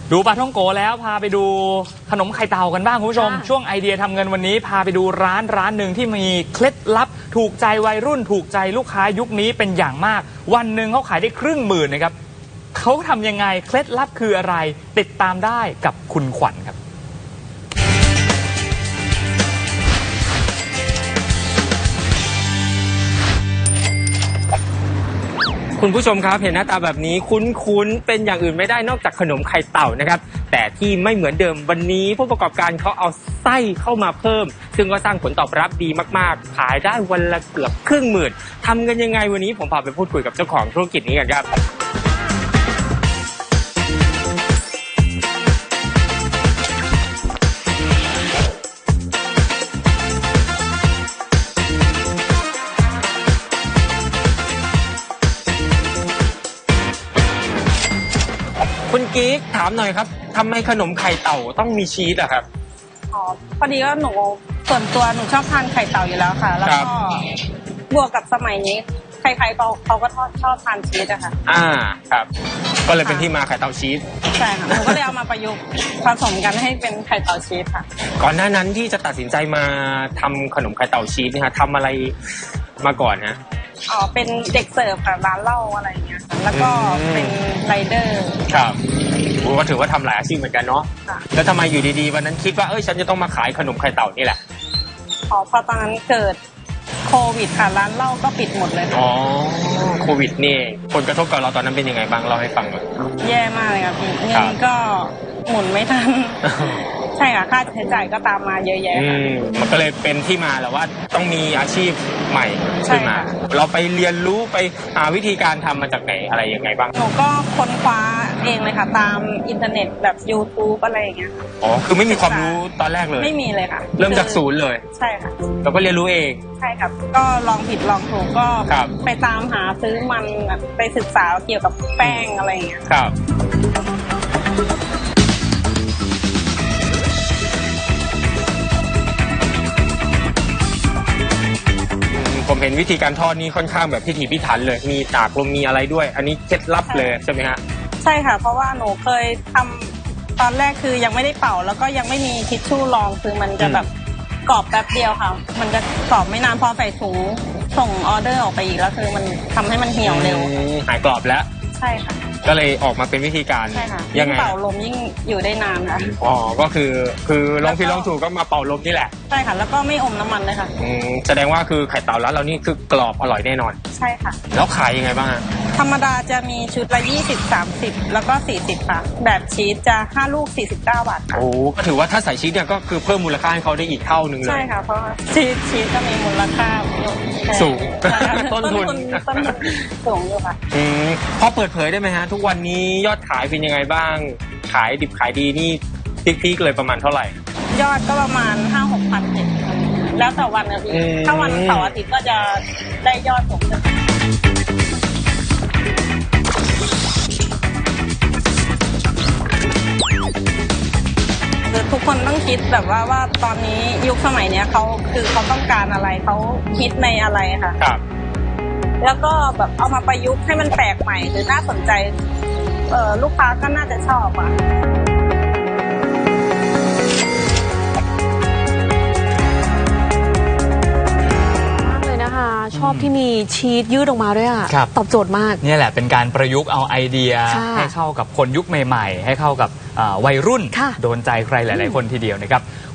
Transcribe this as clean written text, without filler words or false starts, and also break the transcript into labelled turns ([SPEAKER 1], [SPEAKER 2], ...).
[SPEAKER 1] ดูปลาท่องโกแล้วพาไปดูขนมไข่เต่ากันบ้างคุณผู้ชมช่วงไอเดียทำเงินวันนี้พาไปดูร้านหนึ่งที่มีเคล็ดลับถูกใจวัยรุ่นถูกใจลูกค้ายุคนี้เป็นอย่างมากวันหนึ่งเขาขายได้1,000,000นะครับเขาทำยังไงเคล็ดลับคืออะไรติดตามได้กับคุณขวัญครับ
[SPEAKER 2] คุณผู้ชมครับเห็นหน้าตาแบบนี้คุ้นๆเป็นอย่างอื่นไม่ได้นอกจากขนมไข่เต่านะครับแต่ที่ไม่เหมือนเดิมวันนี้ผู้ประกอบการเขาเอาไส้เข้ามาเพิ่มซึ่งก็สร้างผลตอบรับดีมากๆขายได้วันละเกือบ1,000,000ทำกันยังไงวันนี้ผมพาไปพูดคุยกับเจ้าของธุรกิจนี้กันครับคุณกิ๊กถามหน่อยครับทำไมขนมไข่เต่าต้องมีชีสอะครับ
[SPEAKER 3] อ๋อพอดีว่าหนูส่วนตัวหนูชอบทานไข่เต่าอยู่แล้วค่ะแล้วก็บวกกับสมัยนี้ใครๆเขาก็ชอบทานชีสอะค่ะ
[SPEAKER 2] ครับก็เลยเป็นที่มาไข่เต่าชีส
[SPEAKER 3] ใช่ค่ะหนูก็เลยเอามาประยุกต์ผสมกันให้เป็นไข่เต่าชีสค่ะ
[SPEAKER 2] ก่อนหน้านั้นที่จะตัดสินใจมาทำขนมไข่เต่าชีสเนี่ยทำอะไรมาก่อนฮะ
[SPEAKER 3] อ๋อเป็นเด็กเสิร์ฟค่ะร้านเหล้าอะไรเงี้ยแล้วก็เป็นไรเดอร์
[SPEAKER 2] ครับก็ถือว่าทำหลายอาชีพเหมือนกันเนาะแล้วทำไมอยู่ดีๆวันนั้นคิดว่าฉันจะต้องมาขายขนมไข่เต่านี่แหละ
[SPEAKER 3] อ๋อพอตอนนั้นเกิดโควิดค่ะร้านเหล้าก็ปิดหมดเลย
[SPEAKER 2] อ๋อโควิดนี่ผลกระทบกับเราตอนนั้นเป็นยังไงบ้างเล่าให้ฟังหน่อย
[SPEAKER 3] แย่มากเลยครับพี่เงินก็หมุนไม่ทันใช่ค่ะค่าใช้จ่ายก็ตามมาเยอะแยะ
[SPEAKER 2] มันก็เลยเป็นที่มาแหละว่าต้องมีอาชีพใหม่ขึ้นมาเราไปเรียนรู้ไปหาวิธีการทำมาจากไหนอะไรยังไงบ้าง
[SPEAKER 3] หนูก็ค้นคว้าเองเลยค่ะตามอินเทอร์เน็ตแบบ YouTube อะไรอย่างเงี้ย
[SPEAKER 2] อ๋อคือไม่มีความรู้ตอนแรกเลย
[SPEAKER 3] ไม่มีเลยค่ะ
[SPEAKER 2] เริ่มจากศูนย์เลย
[SPEAKER 3] ใช่ค่ะ
[SPEAKER 2] เราก็เรียนรู้เอง
[SPEAKER 3] ใช่ครับก็ลองผิดลองถูกก็ไปตามหาซื้อมันไปศึกษาเกี่ยวกับแป้งอะไรอย่างเงี้ย
[SPEAKER 2] ครับผมเห็นวิธีการทอดนี่ค่อนข้างแบบพิถีพิถันเลยมีตากลมมีอะไรด้วยอันนี้เคล็ดลับเลยใช่ไหมฮะ
[SPEAKER 3] ใช่ค่ะเพราะว่าหนูเคยทำตอนแรกคือยังไม่ได้เป่าแล้วก็ยังไม่มีทิชชู่รองคือมันจะแบบกรอบแป๊บเดียวค่ะมันจะกรอบไม่นานพอใส่ถุงส่งออเดอร์ออกไปอีกแล้วคือมันทำให้มันเหี่ยวเร็ว
[SPEAKER 2] หายกรอบแล้ว
[SPEAKER 3] ใช่ค่ะ
[SPEAKER 2] ก็เลยออกมาเป็นวิธีการ
[SPEAKER 3] ยังไงเป่าลมยิ่งอยู่ได้นานค่ะ
[SPEAKER 2] อ๋อก็คือลองผิดลองถูกก็มาเป่าลมนี่แหละ
[SPEAKER 3] ใช่ค่ะแล้วก็ไม่อมน้ำมันเลยค่ะ
[SPEAKER 2] แสดงว่าคือไข่เต่าร้านเรานี่คือกรอบอร่อยแน่นอน
[SPEAKER 3] ใช่ค่ะ
[SPEAKER 2] แล้วขายยังไงบ้าง
[SPEAKER 3] ธรรมดาจะมีชุดละ20-30แล้วก็40ค่ะแบบชีสจะ5 ลูก49 บาท
[SPEAKER 2] โอ้ก็ถือว่าถ้าใส่ชีสเนี่ยก็คือเพิ่มมูลค่าให้เขาได้อีกเท่านึงเลย
[SPEAKER 3] ใช่ค่ะเพราะชีสก็มีมูลค่า
[SPEAKER 2] สูงต้นทุน
[SPEAKER 3] สูงอยู่ค่ะ
[SPEAKER 2] พอเปิดเผยได้ไหมฮะทุกวันนี้ยอดขายเป็นยังไงบ้างขายดิบขายดีนี่พีคๆเลยประมาณเท่าไหร่
[SPEAKER 3] ยอดก็ประมาณ5-6,000แล้วแต่วันนะพี่ถ้าวันเสาร์อาทิตย์ก็จะได้ยอดสูงขึ้นทุกคนต้องคิดแบบว่าตอนนี้ยุคสมัยเนี้ยเขาต้องการอะไรเขาคิดในอะไรค่ะ
[SPEAKER 2] ครับ
[SPEAKER 3] แล้วก็แบบเอามาประยุกต์ให้มันแปลกใหม่หรือน่าสนใจลูกค้าก็น่าจะชอบอ่ะ
[SPEAKER 4] ชอบที่มีชีสยืดออกมาด้วยอ่ะตอบโจทย์มาก
[SPEAKER 1] นี่แหละเป็นการประยุกต์เอาไอเดียให้เข้ากับคนยุคใหม่ๆให้เข้ากับวัยรุ่นโดนใจใครหลายๆคนทีเดียวนะครับ